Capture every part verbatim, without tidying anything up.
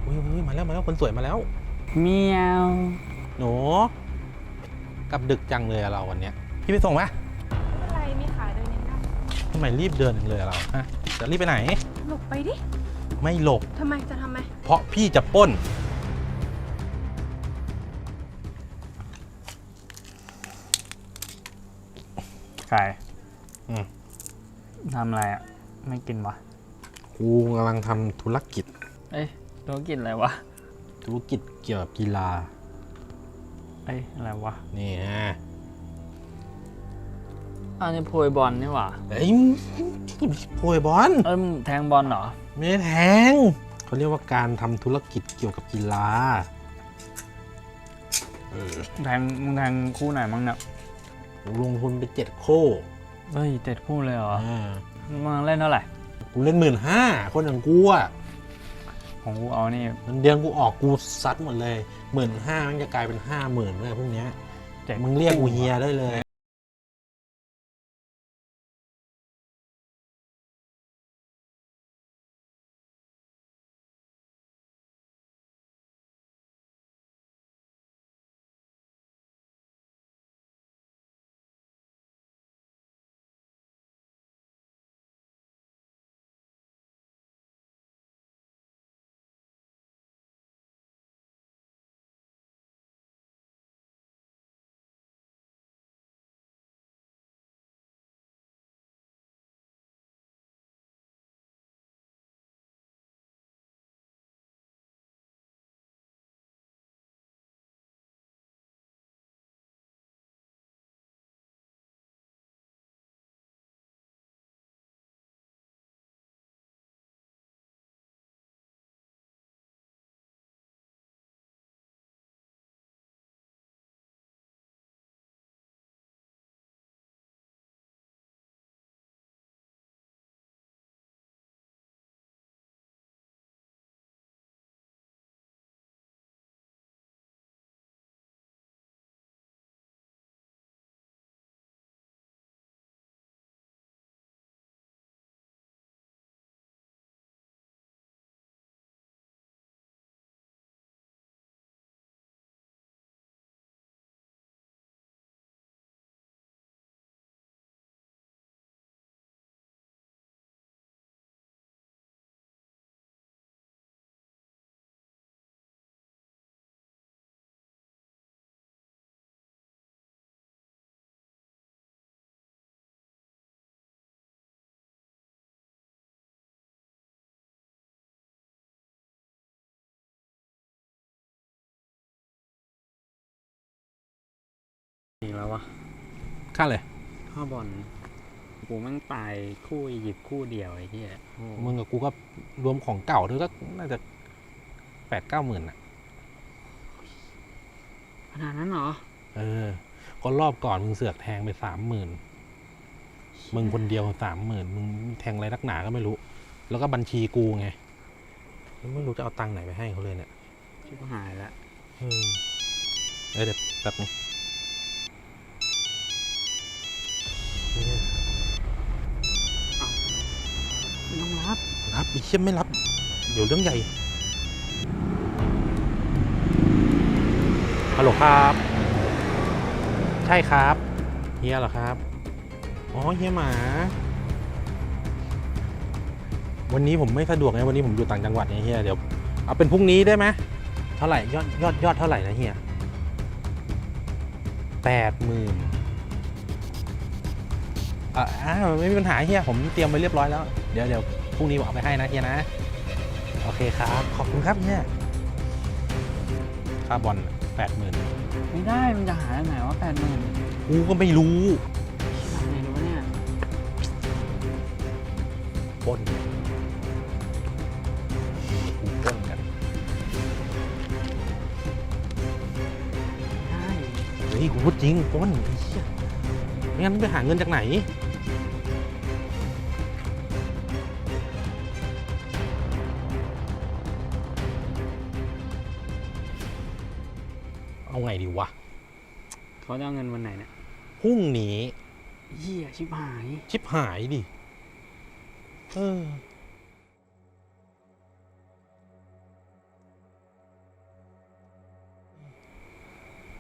อุ้ยอุ้ยมาแล้วมาแล้วคนสวยมาแล้วเมียวหนูกลับดึกจังเลยอะเราวันเนี้ยพี่ไปส่งไหมอะไรมีขาเดินยังได้ทำไมรีบเดินเลยเราฮะจะรีบไปไหนหลบไปดิไม่หลบทำไมจะทำไมเพราะพี่จะปล้นไก่อืมทำอะไรอ่ะไม่กินวะกูกำลังทำธุรกิจเอ้ยธุรกิจอะไรวะธุรกิจเกี่ยวกับกีฬาเอ้ยอะไรวะนี่ฮะอันนี้โพยบอลนี่หว่าเอ้ยโพยบอลเอ้ยแทงบอลเหรอไม่แทงเขาเรียกว่าการทำธุรกิจเกี่ยวกับกีฬาแทงมึงแทงคู่ไหนมั้งเนี่ยลงทุนไปเจ็ดโคเฮ้ยเจ็ดคู่เลยเหรออ่ามึงเล่นเท่าไหร่กูเล่นหมื่นห้าคนอย่างกูอ่ะของกูเอานี่มันเดือนกูออกกูซัดหมดเลยหมื่นห้ามันจะกลายเป็นห้าหมื่นเลยพวกเนี้ยมึงเรียกกูเฮียได้เลยอีกแล้ววะค่าเลยข้าบอลกูแม่งตายคู่หยิบคู่เดียวไอ้ที่มึงกับกูก็รวมของเก่าด้วยก็น่าจะแปดเก้าหมื่นอ่ะขนาดนั้นเหรอเออก็รอบก่อนมึงเสือกแทงไปสามหมื่นมึงคนเดียวสามหมื่นมึงแทงอะไรนักหนาก็ไม่รู้แล้วก็บัญชีกูไงไม่รู้จะเอาตังค์ไหนไปให้เขาเลยเนี่ยชิบหายละเออเดี๋ยวแบบนึงไม่ต้องรับรับอีเชี่ยไม่รับเดี๋ยวเรื่องใหญ่ฮัลโหลครับใช่ครับเฮียเหรอครับอ๋อเฮียหมาวันนี้ผมไม่สะดวกไงวันนี้ผมอยู่ต่างจังหวัดไงเฮียเดี๋ยวเอาเป็นพรุ่งนี้ได้ไหมเท่าไหร่ยอดยอดยอดเท่าไหร่นะเฮียแปดหมื่นอ่าไม่มีปัญหาเฮียผมเตรียมไว้เรียบร้อยแล้วเดี๋ยวเดี๋ยวพรุ่งนี้ผมเอาไปให้นะเฮียนะโอเคครับขอบคุณครับเฮียค่าบอลแปดหมื่นไม่ได้มันจะหาได้ไหนว่าแปดหมื่นกูก็ไม่รู้ทำไงรู้เนี่ยปล้นกูปล้นกันได้เฮ้ยกูพูดจริงปล้นไอ้เหี้ยไม่งั้นไปหาเงินจากไหนเอาไงดีวะเขาจะเอาเงินวันไหนเนี่ยพรุ่งนี้เหี้ยชิบหายชิบหายดิเออ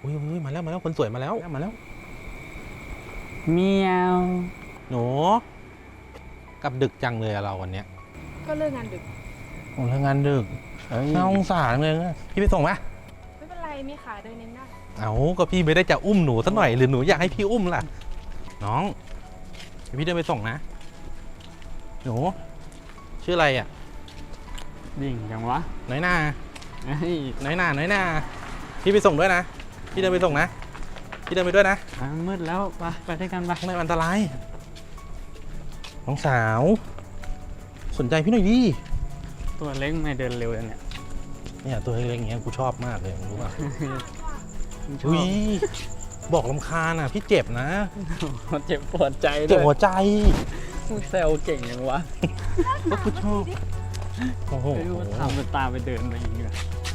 อุ้ยอุ้ยมาแล้วมาแล้วคนสวยมาแล้วมาแล้วเมียวหนูกลับดึกจังเลยอะเราวันเนี้ยก็เลิกงานดึกโอ้ทำงานดึกเอ้ยน่าสงสารเลยนะพี่ไปส่งไหมไม่เป็นไร มีขาเดินเองได้เอาก็พี่ไม่ได้จะอุ้มหนูสักหน่อยหรือหนูอยากให้พี่อุ้มล่ะ น้องเดี๋ยวพี่เดินไปส่งนะ หนูชื่ออะไรอ่ะดิ่งจังวะน้อยหน้าเฮ้ยน้อยหน้าน้อยหน้าพี่ไปส่งด้วยนะพี่เดินไปส่งนะพี่เดินไปด้วยนะอ่ะมืดแล้วไปไปด้วยกันไปข้างในมันอันตรายน้องสาว สนใจพี่หน่อยดิตัวเล็กไม่เดินเร็วเลยเนี่ยเนี่ยตัวเล็กๆอย่างเงี้ยกูชอบมากเลยมึงรู้ป่ะมันชออุ้บยบอกลำคาญอ่ะพี่เจ็บนะมันเจ็บปวดใจเจ็ด้บวยหัวใจมึงแซวเก่งยังวะก็กูชอบโอ้โหไม่รู้ว่าทำเป็นตามไปเดินไปอีกเลย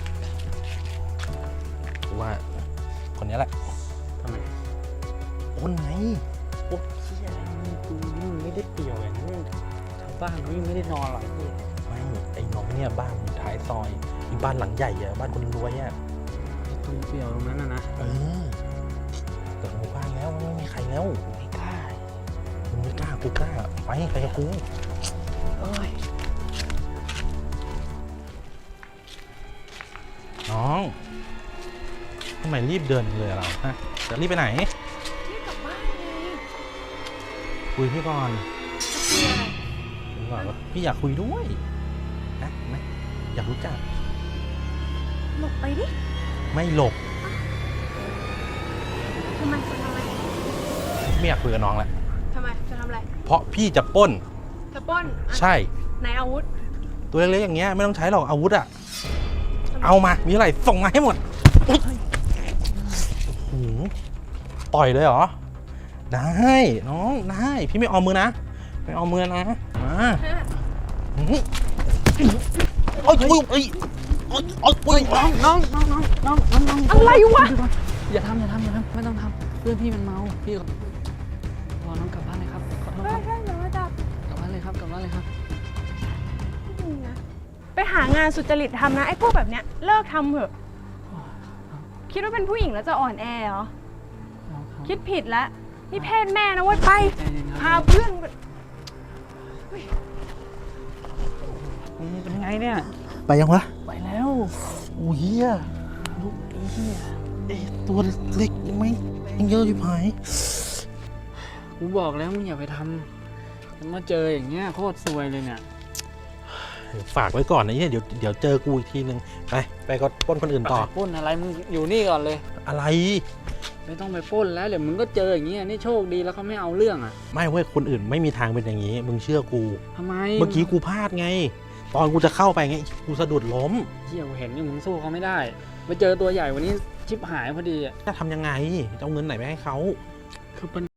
กูว่าคนนี้แหละทำไมคนไหนโอ้เชี่ยกูนี่ไม่ได้เปรียวอย่างนี้ชาวบ้านเขายังไม่ได้นอนหรอกพี่ไม่ไอ้น้องเนี่ยบ้านอยู่ท้ายซอยมีบ้านหลังใหญ่อะบ้านคนรวยอะตรงเปรียวตรงนั้นนะนะเออเกิดหมู่บ้านแล้วไม่มีใครแล้วไม่กล้ามึงไม่กล้ากูกล้าไปไปกับกูเอ้ยน้องทำไมรีบเดินเลยเราฮะจะรีบไปไหนนี่กลับบ้านไงคุยพี่ก่อนจะคุยอะไรคุยก่อนว่าพี่อยากคุยด้วยนะนะอยากรู้จักหลบไปดิไม่หลบทำไมจะทำอะไรไม่อยากคุยกับน้องแล้วทำไม จะทำอะไรเพราะพี่จะปล้นจะปล้นอ่ะใช่ไหนอาวุธตัวเล็กๆอย่างเงี้ยไม่ต้องใช้หรอกอาวุธอะทำไมเอามามีอะไรส่งมาให้หมดอุ๊ยโอ้โหต่อยเลยเหรอได้น้องได้พี่ไม่เอามือนะไม่เอามือนะมาฮะอื้อหือโอ้ยโอ้ยโอ้ยโอ้ยโอ้ยโอ้ยน้องน้องน้องน้องน้องน้องน้องอะไรวะอย่าทำอย่าทำอย่าทำไม่ต้องทำเพื่อนพี่มันเมาพี่ขอพอน้องกลับบ้านเลยครับขอโทษได้ครับได้เดี๋ยวมาจับกลับบ้านเลยครับกลับบ้านเลยครับนี่นะไปหางานสุจริตทำนะ ไอ้พวกแบบเนี้ยเลิกทำเถอะ คิดว่าเป็นผู้หญิงแล้วจะอ่อนแอเหรอ คิดผิดแล้ว นี่เพศแม่นะเว้ยไปใจเย็นครับพาเพื่อนไปนี่เป็นไงเนี่ยไปยังวะไปแล้วโอ้ยเฮียลูกไอ้เหี้ยเอ๊ะตัวเล็กยังไม่ยังเยอะอยู่ไหมกูบอกแล้วมึงอย่าไปทำมาเจออย่างเงี้ยโคตรซวยเลยเนี่ยฝากไว้ก่อนนะเฮียเดี๋ยวเดี๋ยวเจอกูอีกทีนึงไปไปก็ปล้นคนอื่นต่อปล้นอะไรมึงอยู่นี่ก่อนเลยอะไรไม่ต้องไปปล้นแล้วเดี๋ยวมึงก็เจออย่างเงี้ยนี่โชคดีแล้วเขาไม่เอาเรื่องอ่ะไม่เว้ยคนอื่นไม่มีทางเป็นอย่างนี้ มึงเชื่อกูทำไมเมื่อกี้กูพลาดไง ตอนกูจะเข้าไปไงกูสะดุดล้มเที่ยวเห็นนี่มึงสู้เขาไม่ได้ไปเจอตัวใหญ่วันนี้ชิบหายพอดีอ่ะจะทำยังไงจะเอาเงินไหนไปให้เขาคือปัญ